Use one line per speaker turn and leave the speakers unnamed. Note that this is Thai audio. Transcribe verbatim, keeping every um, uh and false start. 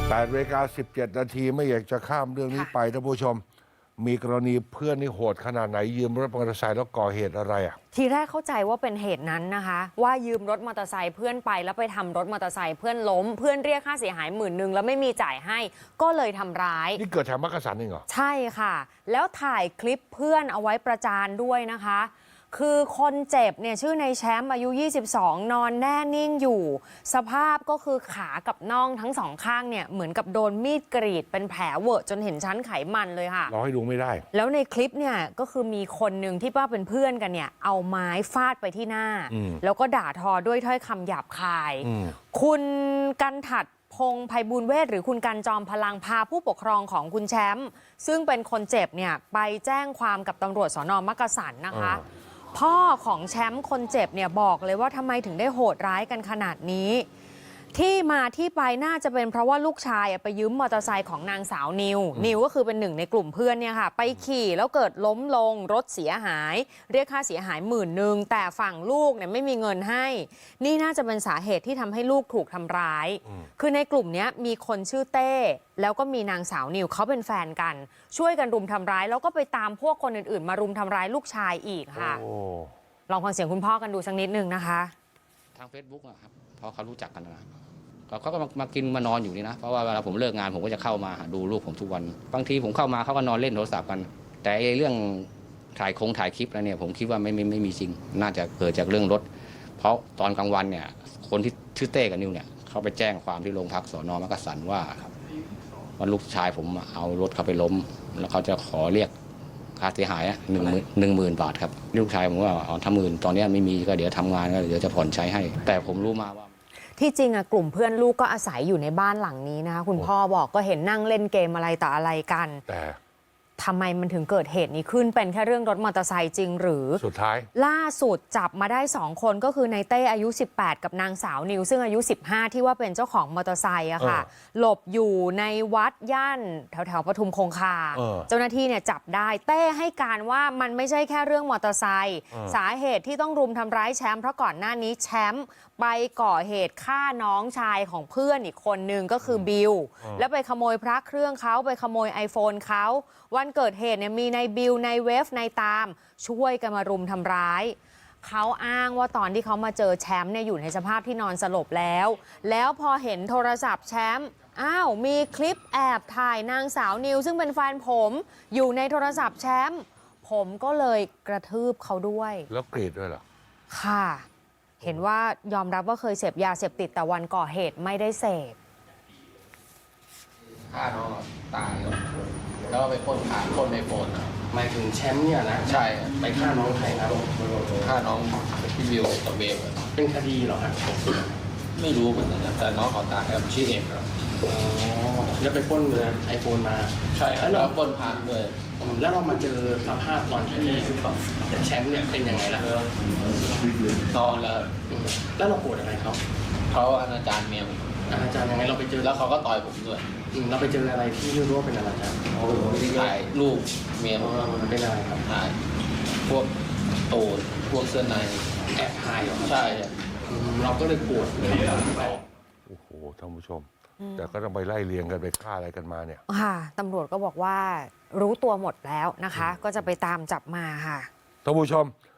แปดนาฬิกาสิบเจ็ดนาทีไม่อยากจะข้ามเรื่องนี้ไปท่านผู้ชมมีกรณีเพื่อนนี่โหดขนาดไหนยืมรถมอเตอร์ไซค์แล้วก่อเหตุอะไรอ่ะ
ทีแรกเข้าใจว่าเป็นเหตุนั้นนะคะว่ายืมรถมอเตอร์ไซค์เพื่อนไปแล้วไปทำรถมอเตอร์ไซค์เพื่อนล้มเพื่อนเรียกค่าเสียหายหมื่นหนึ่งแล้วไม่มีจ่ายให้ก็เลยทำร้าย
นี่เกิดแถวมักกะสันเองเหรอ
ใช่ค่ะแล้วถ่ายคลิปเพื่อนเอาไว้ประจานด้วยนะคะคือคนเจ็บเนี่ยชื่อในแชมป์อายุยี่สิบสองนอนแน่นิ่งอยู่สภาพก็คือขากับน่องทั้งสองข้างเนี่ยเหมือนกับโดนมีดกรีดเป็นแผลเวอะจนเห็นชั้นไขมันเลยค่ะ
เราให้ดูไม่ได้
แล้วในคลิปเนี่ยก็คือมีคนหนึ่งที่ว่าเป็นเพื่อนกันเนี่ยเอาไม้ฟาดไปที่หน้าแล้วก็ด่าทอด้วยถ้อยคำหยาบคายคุณกันถัดพงษ์ไพบูลย์เวชหรือคุณกันจอมพลังพาผู้ปกครองของคุณแชมป์ซึ่งเป็นคนเจ็บเนี่ยไปแจ้งความกับตำรวจสน.มักกะสันนะคะพ่อของแชมป์คนเจ็บเนี่ยบอกเลยว่าทำไมถึงได้โหดร้ายกันขนาดนี้ที่มาที่ไปน่าจะเป็นเพราะว่าลูกชายไปยืมมอเตอร์ไซค์ของนางสาวนิวนิวก็คือเป็นหนึ่งในกลุ่มเพื่อนเนี่ยค่ะไปขี่แล้วเกิดล้มลงรถเสียหายเรียกค่าเสียหายหมื่นหนึ่งแต่ฝั่งลูกเนี่ยไม่มีเงินให้นี่น่าจะเป็นสาเหตุที่ทำให้ลูกถูกทำร้ายคือในกลุ่มนี้มีคนชื่อเต้แล้วก็มีนางสาวนิวเขาเป็นแฟนกันช่วยกันรุมทำร้ายแล้วก็ไปตามพวกคนอื่นๆมารุมทำร้ายลูกชายอีกค่ะลองฟังเสียงคุณพ่อกันดูสักนิดนึงนะคะ
ทาง Facebook อะครับเพราะเขารู้จักกันนะเขาก็มากินมานอนอยู่นี่นะเพราะว่าเวลาผมเลิกงานผมก็จะเข้ามาดูลูกผมทุกวันบางทีผมเข้ามาเขาก็นอนเล่นโทรศัพท์กันแต่เรื่องถ่ายคงถ่ายคลิปแล้วเนี่ยผมคิดว่าไม่ไม่ไม่มีจริงน่าจะเกิดจากเรื่องรถเพราะตอนกลางวันเนี่ยคนที่ชื่อเต้กับนิวเนี่ยเขาไปแจ้งความที่โรงพักสน.มักกะสันว่าว่าลูกชายผมเอารถเขาไปล้มแล้วเขาจะขอเรียกค่าเสียหายหนึ่งหมื่นหนึ่งหมื่นบาทครับลูกชายผมว่าเอาทำหมื่นตอนนี้ไม่มีก็เดี๋ยวทำงานก็เดี๋ยวจะผ่อนใช้ให้แต่ผมรู้มาว่า
ที่จริงอะกลุ่มเพื่อนลูกก็อาศัยอยู่ในบ้านหลังนี้นะคะคุณพ่อบอกก็เห็นนั่งเล่นเกมอะไรต่ออะไรกัน
แต่
ทำไมมันถึงเกิดเหตุนี้ขึ้นเป็นแค่เรื่องรถมอเตอร์ไซค์จริงหรือ
สุดท้าย
ล่าสุดจับมาได้สองคนก็คือในเต้อายุสิบแปดกับนางสาวนิวซึ่งอายุสิบห้าที่ว่าเป็นเจ้าของมอเตอร์ไซค์อะค่ะหลบอยู่ในวัดย่านแถวแถวปทุมคงคาเจ้าหน้าที่เนี่ยจับได้เต้ให้การว่ามันไม่ใช่แค่เรื่องมอเตอร์ไซค์สาเหตุที่ต้องรุมทำร้ายแชมป์เพราะก่อนหน้านี้แชมป์ไปก่อเหตุฆ่าน้องชายของเพื่อนอีกคนนึงก็คือบิลแล้วไปขโมยพระเครื่องเขาไปขโมย ไอโฟน เขาวันเกิดเหตุเนี่ยมีในบิลในเวฟในตามช่วยกันมารุมทำร้ายเขาอ้างว่าตอนที่เขามาเจอแชมป์เนี่ยอยู่ในสภาพที่นอนสลบแล้วแล้วพอเห็นโทรศัพท์แชมป์อ้าวมีคลิปแอบถ่ายนางสาวนิวซึ่งเป็นแฟนผมอยู่ในโทรศัพท์แชมป์ผมก็เลยกระทืบเขาด้วย
แล้วกรีดด้วยเหรอ
ค่ะเห็นว่ายอมรับว่าเคยเสพยาเสพติดแต่วันก่อเหตุไม่ได้เสพ
ฆ่าน้องตายแล้วก็ไปพ่นขาพ่นในโฟน
หมายถึงแชมป์เนี่ยนะ
ใช่
ไปฆ่าน้องใครครับ
ฆ่าน้องพี่วิวกับเบล
เป็นคดีเหรอครับ
ไม่รู้เหมือนกันแต่น้องเขาตายครับชื่อเอ็มครับ
อ๋อแล้วไปพ่นเงินไอโฟนมา
ใช่แล้วพ่นผ่านด้วย
แล้วเรามาเจอสภาพตอนที่แชมป์เนี่ยเป็นยังไงล่ะ
นอนแล้ว
แล้วเราโกรธอะไรเขา
เขาอนาจารเมียผม
อนาจารยังไงเราไปเจอ
แล้วเขาก็ต่อยผมด้วย
เราไปเจออะไรที่รู้ว่าเป็นอนาจาร
ถ่ายรูปเมียผม
เป็นอะไรครับ
ถ่ายพวกโตนพวกเสื้อใน
แอบถ่ายเหรอ
ใช่
เราก็เลยโกรธ
โอ้โหท่านผู้ชมแต่ก็ต้องไปไล่เลียงกันไปฆ่าอะไรกันมาเนี่ย
ค่ะตำรวจก็บอกว่ารู้ตัวหมดแล้วนะคะก็จะไปตามจับมาค่ะ
ท่านผู้ชม